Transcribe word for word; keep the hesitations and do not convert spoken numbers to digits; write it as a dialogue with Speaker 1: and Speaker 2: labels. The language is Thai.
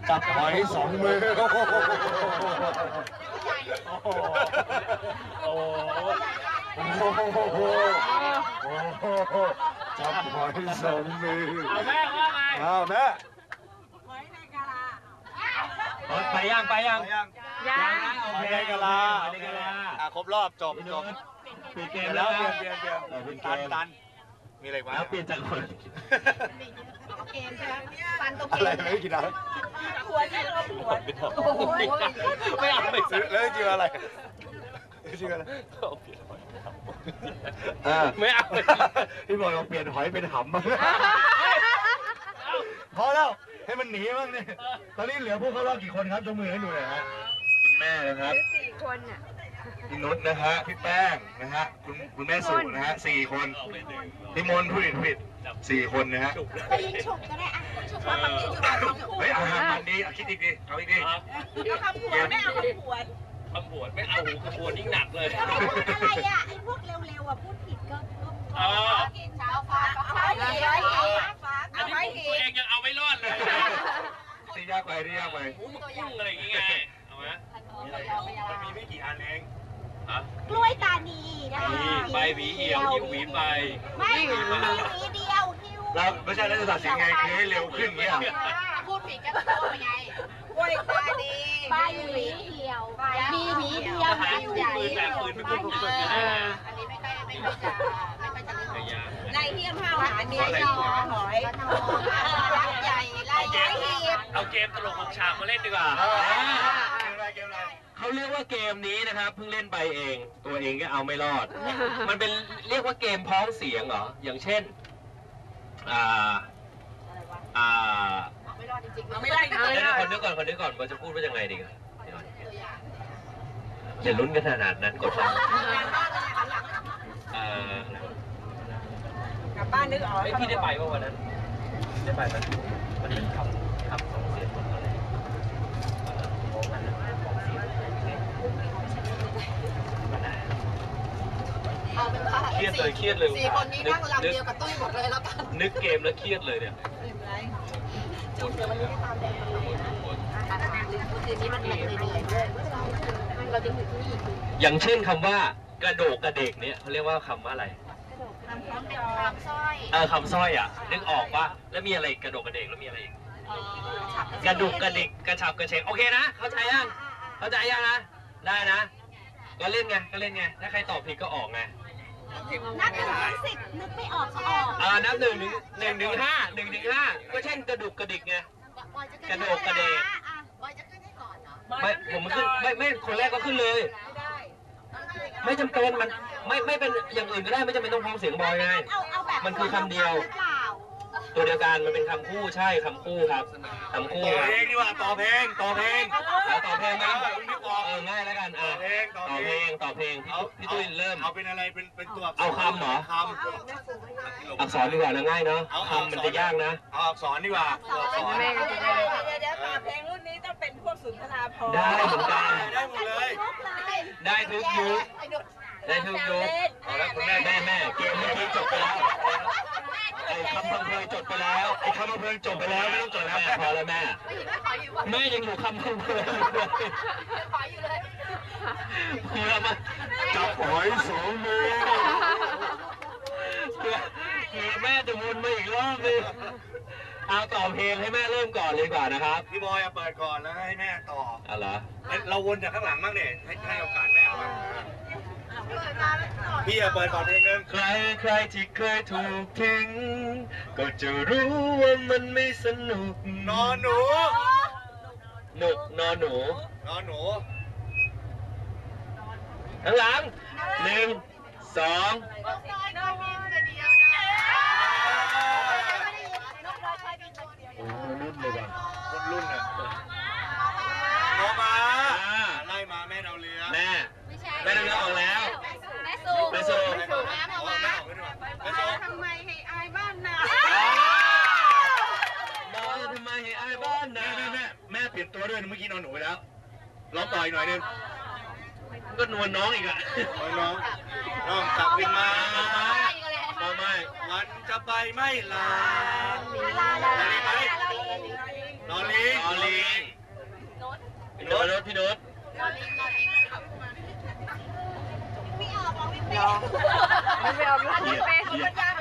Speaker 1: จับหอยสองมือโอ้โหจับหอยสองมือเอาแม่ว่าไงเอาแม่หอยในกะลาไปยังไปยังยังหอยในกะลาอ่ะครบรอบจบจบปิดเกมแล้วเปลี่ยนเปลี่ยนเปลี่ยนตันตันมีอะไรวะแล้วเปลี่ยนจากคนเกมใช่ไหมฟันตัวเกมอะไรไม่กินอะไรหัวที่เราหัวไม่เอาไม่ซื้อแล้วจริงอะไรจริงอะไรไม่เอาพี่บอยลองเปลี่ยนหอยเป็นหำบ้างพอแล้วให้มันหนีบ้างเนี่ยตอนนี้เหลือพวกเขารอบกี่คนครับยกมือให้ดูหน่อยฮะคุณแม่นะครับสี่คนอ่ะพี่นุชนะฮะพี่แป้งนะฮะคุณคุณแม่สุนะฮะสี่คนพี่มนต์ผู้ผิดผิดสี่คนนะฮะ
Speaker 2: ไปยิงฉุกก็ได้อ่ะฉุกมาแบบนี้อยู่แบบนี้
Speaker 1: เฮ้ยอาหารมันดีคิดอีกดิเอาอีกดิ
Speaker 2: เอาคำผวนไม่เอาคำผวน
Speaker 3: คำผวนไม่เอาคำผวนยิ่งหนักเลย
Speaker 2: อะไรอ่ะไอ้พวกเร็วๆอ่ะพูดผิดก็กินเช้าฟ้าฟ้าฟ้าฟ้า
Speaker 3: อันนี้ตัวเองยังเอาไม่รอดเลย
Speaker 1: ที่ยากไปที่ยากไป
Speaker 3: หมูหมึกกุ้งอะไรอย่างเงี้ยเอาไหม
Speaker 1: มันมีไม่กี่อันเอง
Speaker 2: กล้วยตานีนะ
Speaker 3: ไปหวีเหี่ยวยิ้วหวีไป
Speaker 2: ไม่หวีหวีเดียวหิ้ว
Speaker 1: เราไม่ใช่แล้วจะตัดสินไงคือให้เร็วขึ้นเงี้ย
Speaker 2: พูดผิดก็โทษไงกล้วยตานีใบหวีเหี่ยวมีหวีเดียวหิ้วใหญ่
Speaker 3: แบบปืนไม่คุ้นคุ้นกัน
Speaker 2: อันนี้ไม่ค่อยไม่ค่อยจะไม่ค่อยจะเรื่องในเที่ยงห้าวหาเมียหอยรักใหญ่ไล่ใหญ่
Speaker 3: เอาเกมตลกของฉากมาเล่นดีกว่าเขาเรียกว่าเกมนี้นะครับเพิ่งเล่นไปเองตัวเองก็เอาไม่รอดมันเป็นเรียกว่าเกมพ้องเสียงเหรออย่างเช่นอ่าอ่า
Speaker 2: ไม่รอดจริงๆไม่ได้เ
Speaker 3: ดี๋ยวคนนึกก่อนคนนึกก่อนว่าจะพูดว่ายังไงดีกันอย่าลุ้นกันขนาดนั้นกดฟัง
Speaker 2: กลับบ้านนึกออก
Speaker 3: ไม่พี่ได้ไปว่าวันนั้นได้ไปมันมันเป็นคำคำสองเสียงอะไรเครียดเลยเครียดเลย
Speaker 2: สี่คนนี้นั่งลำเดียวกับตุ้ยหมดเลยแล้วกัน
Speaker 3: นึกเกมแล้วเครียดเลยเนี่ย
Speaker 2: จุดเดี๋ยววันนี้ไม่ตามแดงคืนนี้มันเหนื่อยเหนื่อยด้วยเราจะอยู่ที่นี่
Speaker 3: อย่างเช่นคำว่ากระโดกกระเดกเนี่ยเขาเรียกว่าคำว่าอะไร
Speaker 2: คำคำสร้อย
Speaker 3: เออคำสร้อยอ่ะนึกออกปะแล้วมีอะไรกระโดกกระเดกแล้วมีอะไรอีกกระดุกกระดิกกระฉับกระเฉงโอเคนะเข้าใจยังเข้าใจยังนะได้นะก็เล่นไงก็เล่นไงถ้าใครตอบผิดก็ออกไง
Speaker 2: นับหนึ่งถึงสิบนึกไม่ออกก็ออก
Speaker 3: อ่านับหนึ่งถึงหนึ่งถึงห้าหนึ่งถึงห้าก็เช่นกระดุกกระดิกไงกระโดกกระเดก
Speaker 2: บอยจะขึ้นให้ก่อนเหร
Speaker 3: อไม่ผมขึ้นไม่ไม่คนแรกก็ขึ้นเลยไม่จำเป็นมันไม่ไม่เป็นอย่างอื่นก็ได้ไม่จำเป็นต้องพ้องเสียงบอยไงมันคือคำเดียวตัวเดียวกันมันเป็นคำคู่ใช่คำคู่ครับคำคู่
Speaker 1: ต่อเพลงดีกว่าต่อเพลงต่อเพลง
Speaker 3: แล้วต่อเพลงนะเออง่ายแล้วกันอ่ะต่อเพลงต่อเพลงพี่ตุ้ยเริ่ม
Speaker 1: เอาเป็นอะไรเป็นเป็นตัว
Speaker 3: เอาคำเหรอ
Speaker 1: ค
Speaker 3: ำอักษรดีกว่านะง่ายเนาะคำมันจะยากนะ
Speaker 1: เอาอักษรดีกว่า
Speaker 2: เดี๋ยวเดี๋ยวต่อเพลงรุ่นนี้ต้องเป็นพวกสุนทราภรณ์
Speaker 3: ได้เหมือนกัน
Speaker 1: ได้หมดเลย
Speaker 3: ได้ทุกยุคได้ทุกยุคเอาละคุณแม่แม่แม่เกมเมื่อกี้จบไปแล้วไอ้คำพังเพยจบไปแล้วไอ้คำพังเพยจบไปแล้วไม่ต้องจบแล้วพอแล้วแม่แม่ยังอยู่คำพังเพย
Speaker 2: ขออยู่เลย
Speaker 3: เพื่อมา
Speaker 1: จับหอยสองมือ
Speaker 3: เพื่อเพื่อแม่จะวนมาอีกรอบนึงเอาต่อเพลงให้แม่เริ่มก่อนเลยก่อนนะครับ
Speaker 1: พี่บอยเปิดก่อนแล้วให้แม่ต่อ
Speaker 3: อะไร
Speaker 1: เราวนจากข้างหลังบ้างเนี่ยให้ให้โอกาสแม่บ้างพี่เปิดก่อนเพลงนึง
Speaker 3: ใครใครที่เคยถูกทิ้งก็จะรู้ว่ามันไม่สนุก
Speaker 1: นอนหนู
Speaker 3: หนุกนอนหนู
Speaker 1: นอนหนู
Speaker 3: ข้างหลังหนึ่งสองรุ่นเลยว่ะ
Speaker 1: รุ่นรุ่นอ่ะโมมาไล่มาแม่ดาวเรือ
Speaker 3: แม่แม่ดาวเรือออกแล้ว
Speaker 2: แม่สู
Speaker 3: แม่สู
Speaker 2: แม่สูแม่มามาทำไมให้อายบ้านนา
Speaker 3: มาทำไมให้อายบ้านนา
Speaker 1: แม่แม่แม่เปลี่ยนตัวด้วยเมื่อกี้นอนหนูไปแล้วร้องต่ออีกหน่อยนึง
Speaker 3: ก็นวลน้องอีกอะ
Speaker 1: น้องน้องกลับขึ้นมา
Speaker 3: มาไม่
Speaker 1: วันจะไปไม่ลาลาลาไหมลอลิงลอลิง
Speaker 2: ไม่ออกลูกเป็นเป็นยา